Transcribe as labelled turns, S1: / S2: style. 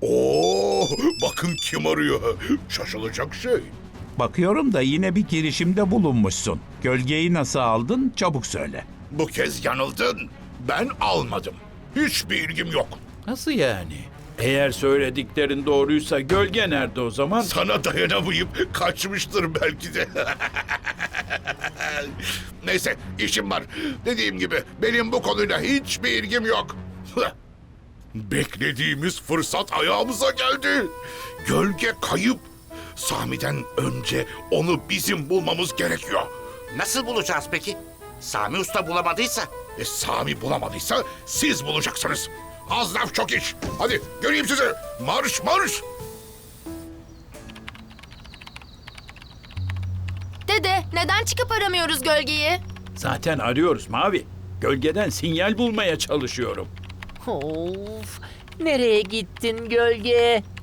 S1: Oo, bakın kim arıyor. Şaşılacak şey.
S2: Bakıyorum da yine bir girişimde bulunmuşsun. Gölgeyi nasıl aldın? Çabuk söyle.
S1: Bu kez yanıldın. Ben almadım. Hiçbir ilgim yok.
S3: Nasıl yani? Eğer söylediklerin doğruysa gölge nerede o zaman?
S1: Sana dayanamayıp kaçmıştır belki de. Neyse, işim var. Dediğim gibi benim bu konuyla hiçbir ilgim yok. Beklediğimiz fırsat ayağımıza geldi. Gölge kayıp. Sami'den önce onu bizim bulmamız gerekiyor.
S4: Nasıl bulacağız peki? Sami Usta bulamadıysa?
S1: Sami bulamadıysa siz bulacaksınız. Az laf çok iş. Hadi göreyim sizi. Marş marş.
S5: Dede, neden çıkıp aramıyoruz gölgeyi?
S3: Zaten arıyoruz Mavi. Gölgeden sinyal bulmaya çalışıyorum.
S6: Of, nereye gittin gölge?